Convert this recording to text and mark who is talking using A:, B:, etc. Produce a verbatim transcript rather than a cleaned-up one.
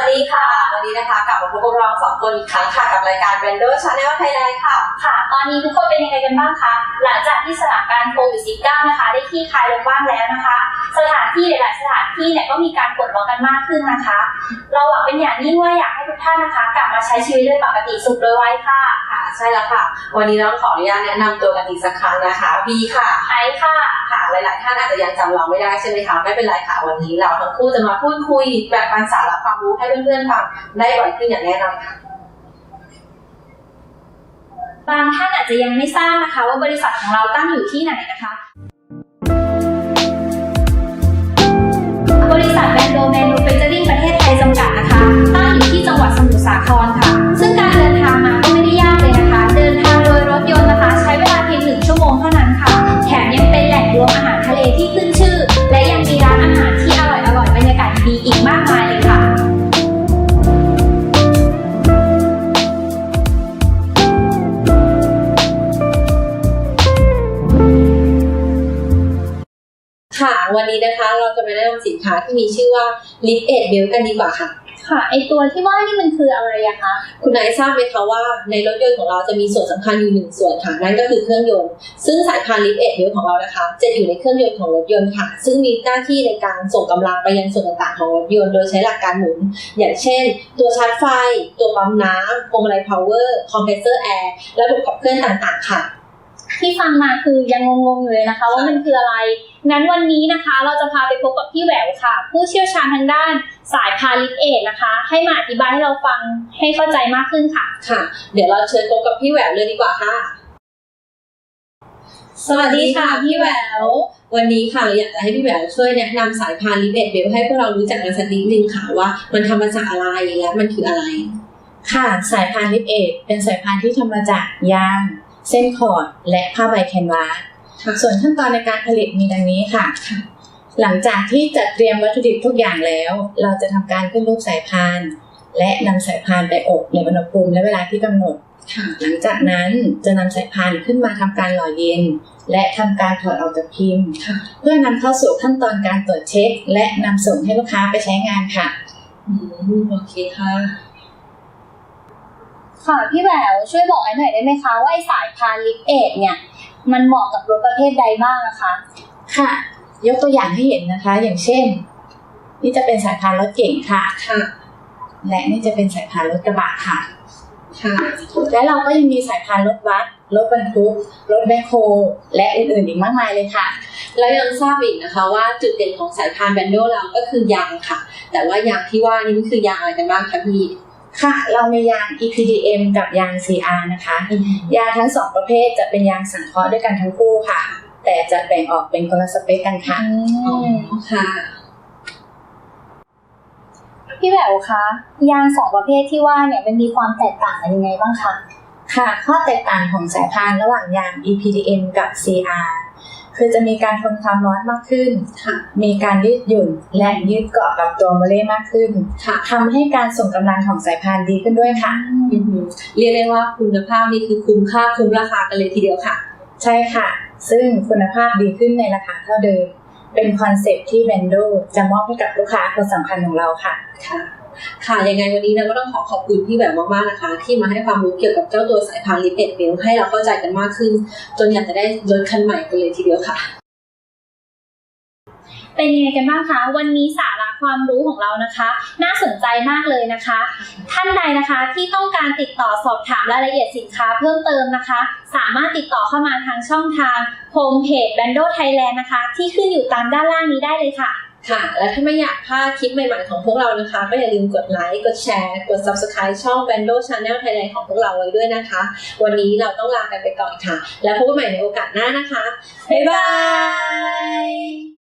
A: ดีค่ะวันนี้นะคะกลับมาพบกับเราสองคนอีกครั้งค่ะกับรายการ Brando Channel Thailand ค่ะ
B: ค่ะตอนนี้ทุกคนเป็นยังไงกันบ้างคะหลังจากที่สถานการณ์โควิด สิบเก้า นะคะได้คลี่คลายลงบ้างแล้วนะคะสถานที่หลายๆสถานที่เนี่ยก็มีการปลดล็อกกันมากขึ้นนะคะเราหวังเป็นอย่างยิ่งว่าอยากให้ทุกท่านนะคะกลับมาใช้ชีวิตด้วยปกติสุขโดยไวค่ะ
A: ค่ะใช่แล้วค่ะวันนี้เราขออนุญาตแนะนำตัวกันอีกสักครั้งนะคะบีค่ะ
B: ไอค่ะ
A: ค่ะหลายๆท่านอาจจะยังจำเราไม่ได้ใช่ไหมคะไม่เป็นไรค่ะวันนี้เราทั้งคู่จะมาพูดคุยแบ่งปันสาระความรู้ให้เพื่อนๆฟังได้บ่อยขึ้นอย่างแน่นอนค่ะ
B: บางท่านอาจจะยังไม่ทราบนะคะว่าบริษัทของเราตั้งอยู่ที่ไหนนะคะบริษัท Brando Manufacturing ประเทศไทยจำกัดนะคะตั้งอยู่ที่จังหวัดสมุทรสาครค่ะซึ่งการเดินทางมาก็ไม่ได้ยากเลยนะคะเดินทางโดยรถยนต์นะคะใช้เวลาเพียงหนึ่งชั่วโมงเท่านั้นค่ะแถมยังเป็นแหล่งรวมอาหารทะเลที่ขึ้นชื่อและยังมีร้านอาหารที่อร่อยๆบรรยากาศดีอีกมากมายเลยค่ะ
A: ค่ะวันนี้นะคะเราจะมาแนะนำสินค้าที่มีชื่อว่า Lift Aid Belt กันดีกว่าค่ะ
B: ค่ะไอตัวที่ว่านี่มันคืออะไรอะคะ
A: คุณนายทราบไหมคะว่าในรถยนต์ของเราจะมีส่วนสำคัญอยู่หนึ่งส่วนค่ะนั่นก็คือเครื่องยนต์ซึ่งสายพาน Lift Aid Belt ของเรานะคะจะอยู่ในเครื่องยนต์ของรถยนต์ค่ะซึ่งมีหน้าที่ในการส่งกำลังไปยังส่วนต่างๆของรถยนต์โดยใช้หลักการหมุนอย่างเช่นตัวชาร์จไฟตัวปั๊มน้ำพวงมาลัยพาวเวอร์คอมเพรสเซอร์แอร์ระบบขับเคลื่อนต่างๆค่ะ
B: ที่ฟังมาคือยังงงๆอยู่เลยนะคะว่ามันคืออะไรงั้นวันนี้นะคะเราจะพาไปพบกับพี่แหววค่ะผู้เชี่ยวชาญทางด้านสายพาน Lift Aid นะคะให้มาอธิบายให้เราฟังให้เข้าใจมากขึ้นค่ะ
A: ค่ะเดี๋ยวเราเชิญพบกับพี่แหววเลยดีกว่าค่ะสวัสดีค่ะพี่แหวววันนี้ค่ะเราอยากจะให้พี่แหววช่วยแนะนำสายพาน Lift Aid Belt ให้พวกเรารู้จักกันสักนิดนึงค่ะว่ามันทำมาจากอะไรและมันคืออะไร
C: ค่ะสายพาน Lift Aid เป็นสายพานที่ทำมาจากยางเส้นคอร์ดและผ้าใบแคนวาสส่วนขั้นตอนในการผลิตมีดังนี้ค่ะหลังจากที่จัดเตรียมวัตถุดิบทุกอย่างแล้วเราจะทำการขึ้นรูปสายพานและนำสายพานไปอบในอุณหภูมิและเวลาที่กำหนดหลังจากนั้นจะนำสายพานขึ้นมาทำการหล่อเย็นและทำการถอดออกจากพิมพ์เพื่อนำเข้าสู่ขั้นตอนการตรวจเช็คและนำส่งให้ลูกค้าไปใช้งานค่ะ
A: อืมโอเคค่ะ
B: ค่ะพี่แหววช่วยบอกไอ้หน่อยได้ไหมคะว่าไอ้สายพาน Lift Aid เนี่ยมันเหมาะกับรถประเภทใดบ้างนะคะ
C: ค่ะยกตัวอย่างให้เห็นนะคะอย่างเช่นนี่จะเป็นสายพานรถเก๋งค่ะ
A: ค่ะ
C: และนี่จะเป็นสายพานรถกระบะค่ะ
A: ค่ะ
C: และเราก็ยังมีสายพานรถบัสรถบรรทุกรถแบ็คโฮและอื่นๆอีกมากมายเลยค่ะ
A: แล้วยังทราบอีกนะคะว่าจุดเด่นของสายพาน Brando เราก็คือยางค่ะแต่ว่ายางที่ว่านี่มันคือยางอะไรกันบ้างคะพี่
C: ค่ะเรามียาง อี พี ดี เอ็ม กับยาง ซี อาร์ นะคะยางทั้งสองประเภทจะเป็นยางสังเคราะห์ด้วยกันทั้งคู่ค่ะแต่จะแบ่งออกเป็นคนละสเปคกันค่ะ
A: อ๋อค่ะ
B: พี่แหววคะยางสองประเภทที่ว่าเนี่ยมันมีความแตกต่างกันยังไงบ้างคะ
C: ค่ะข้อแตกต่างของสายพานระหว่างยาง อี พี ดี เอ็ม กับ ซี อาร์ คือจะมีการทนความร้อนมากขึ้นมีการยืดหยุ่นและยืดเกาะกับตัวโมเลกุลมากขึ้นทำให้การส่งกำลังของสายพานดีขึ้นด้วยค่ะ
A: เรียกได้ว่าคุณภาพนี่คือคุ้มค่าคุ้มราคากันเลยทีเดียวค่ะ
C: ใช่ค่ะซึ่งคุณภาพดีขึ้นในราคาเท่าเดิมเป็นคอนเซ็ปต์ที่ Brando จะมอบให้กับลูกค้าคนสำคัญของเราค่ะ
A: ค่ะค่ะยังไงวันนี้เราก็ต้องขอขอบคุณพี่แหววมากๆนะคะที่มาให้ความรู้เกี่ยวกับเจ้าตัวสายพาน Lift Aid Belt ให้เราเข้าใจกันมากขึ้นจนอยากจะได้รถคันใหม่กันเลยทีเดียวค่ะ
B: เป็นยังไงกันบ้างคะวันนี้สาระความรู้ของเรานะคะน่าสนใจมากเลยนะคะท่านใดนะคะที่ต้องการติดต่อสอบถามรายละเอียดสินค้าเพิ่มเติมนะคะสามารถติดต่อเข้ามาทางช่องทางโฮมเพจ Brando Thailand นะคะที่ขึ้นอยู่ตามด้านล่างนี้ได้เลยค่ะ
A: ค่ะและถ้าไม่อยากพลาดคลิปใหม่ๆของพวกเรานะคะก็อย่าลืมกดไลค์กดแชร์กด Subscribe ช่อง Brando Channel Thailand ของพวกเราไว้ด้วยนะคะวันนี้เราต้องลากันไปก่อนค่ะแล้วพบกันใหม่ในโอกาสหน้านะคะบ๊ายบาย